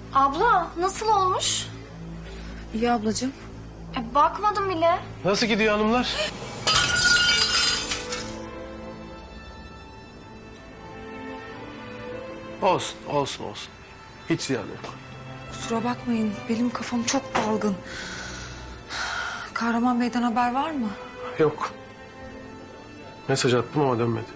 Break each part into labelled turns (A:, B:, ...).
A: Abla nasıl olmuş?
B: İyi ablacığım.
A: Bakmadım bile.
C: Nasıl gidiyor hanımlar? Olsun. Hiç ziyan yok.
B: Kusura bakmayın, benim kafam çok dalgın. Kahraman Bey'den haber var mı?
C: Yok. Mesaj attım ama dönmedi.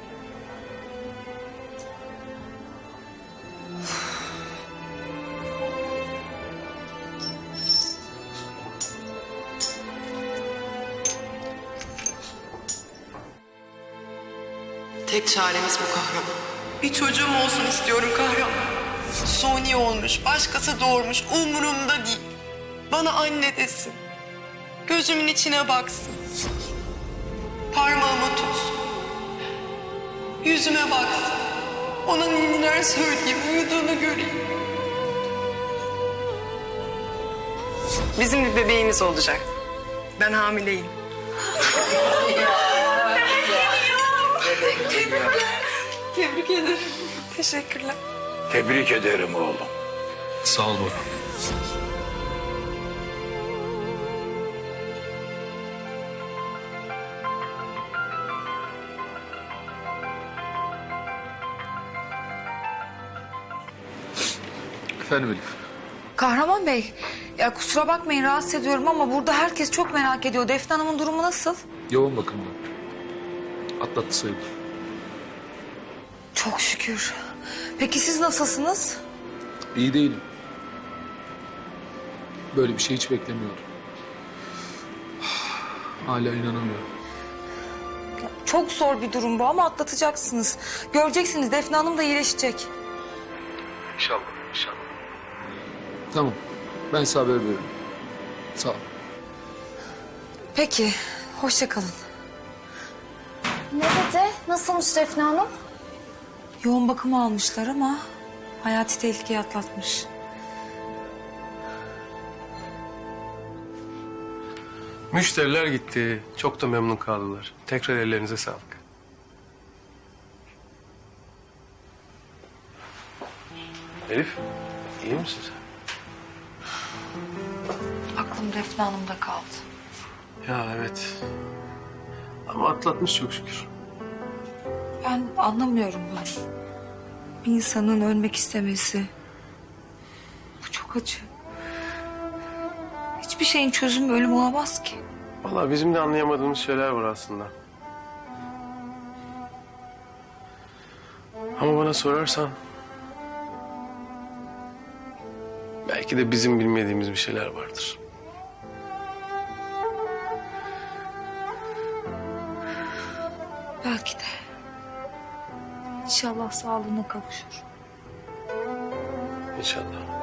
D: Tek çaremiz bu kahraman. Bir çocuğum olsun istiyorum kahraman. Suni olmuş, başkası doğurmuş, umurumda değil. Bana anne desin. Gözümün içine baksın. Parmağıma tutsun. Yüzüme baksın. Ona neler söyleyeyim, uyuduğunu göreyim. Bizim bir bebeğimiz olacak. Ben hamileyim. Tebrik ederim. Teşekkürler.
E: Tebrik ederim oğlum.
F: Sağ ol Bora. Efendim Elif.
B: Kahraman Bey, ya kusura bakmayın rahatsız ediyorum ama burada herkes çok merak ediyor. Defne Hanım'ın durumu nasıl?
F: Yoğun bakımda. Atlattı sayılır.
B: Çok şükür. Peki siz nasılsınız?
F: İyi değilim. Böyle bir şey hiç beklemiyordum. Hala inanamıyorum.
B: Çok zor bir durum bu ama atlatacaksınız. Göreceksiniz Defne Hanım da iyileşecek.
F: İnşallah. Tamam. Ben size haber veririm. Sağ ol.
B: Peki, hoşça kalın.
A: Ne dedi? Nasılmış Defne Hanım?
B: Yoğun bakıma almışlar ama hayati tehlikeyi atlatmış.
C: Müşteriler gitti. Çok da memnun kaldılar. Tekrar ellerinize sağlık. Elif, iyi misin sen?
B: Aklım Defne Hanım'da kaldı.
C: Ya evet. Ama atlatmış çok şükür.
B: Ben anlamıyorum bunu. Bir insanın ölmek istemesi. Bu çok acı. Hiçbir şeyin çözümü ölüm olamaz ki.
C: Vallahi bizim de anlayamadığımız şeyler var aslında. Ama bana sorarsan... belki de bizim bilmediğimiz bir şeyler vardır.
B: Belki de. İnşallah sağlığına kavuşur.
C: İnşallah.